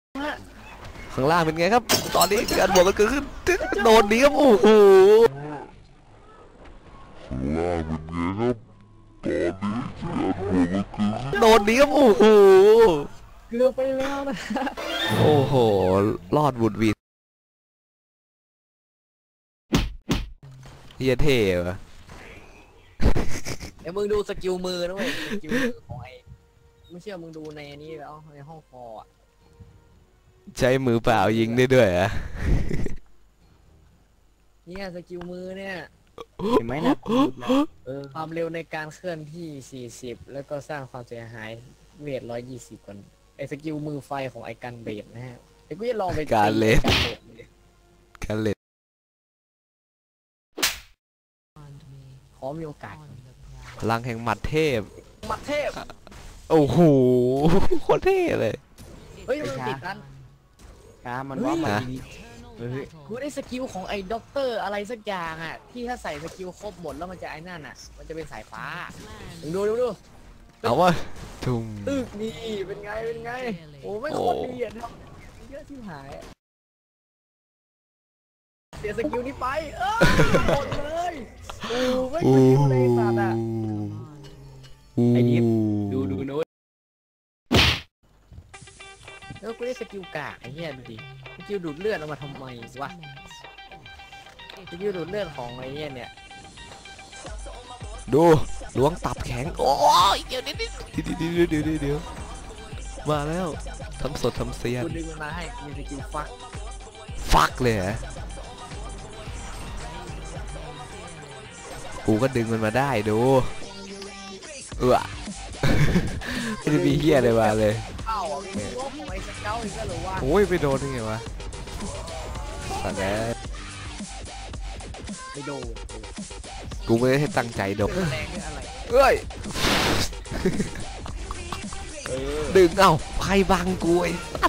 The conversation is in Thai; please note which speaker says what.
Speaker 1: ข้างล่างเป็นไงครับตอนนี้การบวกกันเกิดขึ้นโดนดีครับโอ้โหล่างเป็นไงครับตอนนี้การบวกกันเกิดขึ้นโดนดีครับโอ้โห
Speaker 2: เกือบไปแล้วนะ
Speaker 1: โอ้โหรอดบุดวีเฮียเท่วะ
Speaker 2: เดี๋ยวมึงดูสกิลมือนะเว้ยสกิลมือของไอ้ไม่เชื่อมึงดูในนี้แล้วในห้องคออ่ะ
Speaker 1: ใช้มือเปล่ายิงได้ด้วยอะ
Speaker 2: เนี่ยสกิลมือเนี่ย
Speaker 3: เห็นไหมนะ
Speaker 2: ความเร็วในการเคลื่อนที่40แล้วก็สร้างความเสียหายเวท120ก่อนไอ้สกิลมือไฟของไอ้กันเบดนะฮะไอ้กูจะลองไป
Speaker 1: การเล่นการเล่น
Speaker 2: ขอมีโอกาส
Speaker 1: พลังแห่งหมัดเทพ
Speaker 2: หมัดเทพ
Speaker 1: โอ้โหโคตรเท่เลย
Speaker 2: เฮ้ยมันติดกัน
Speaker 3: มันว่ามัน
Speaker 2: กูได้สกิลของไอ้ด็อกเตอร์อะไรสักอย่างอ่ะที่ถ้าใส่สกิลครบหมดแล้วมันจะไอ้นั่นอ่ะมันจะเป็นสายฟ้าดู
Speaker 1: เอาวะทุ่ม
Speaker 2: ตึกนี่เป็นไงโอ้ไม่โคตรดีอ่ะทำเยอะที่หายเสียสกิลนี้ไปหมดเลยโอ้ไม่สกิลในสัตว์อ่ะ
Speaker 3: ไอ้ยิปดูโน้ต
Speaker 2: แล้วกูได้สกิลกากไอ้เหี้ยดูดิสกิลดูดเลือดเอามาทำไมวะสกิลดูดเลือดของไอ้เหี้ยเนี่ย
Speaker 1: ดูล้วงตับแข็งโอ้ยเดี๋ยวมาแล้วทำสดทำเซียน
Speaker 2: กูดึงมันมาให้มีสกิล
Speaker 1: ฟักเลยฮะกูก็ดึงมันมาได้ดูไม่ได้มีเหี้ยอะไรมาเลยโอ้ยไปโดนยังไงวะแต่แน่
Speaker 2: ไปโดน
Speaker 1: กูไม่ได้ให้ตั้งใจโดนเอ้ยดึงเอ้าใครบังกูไอ้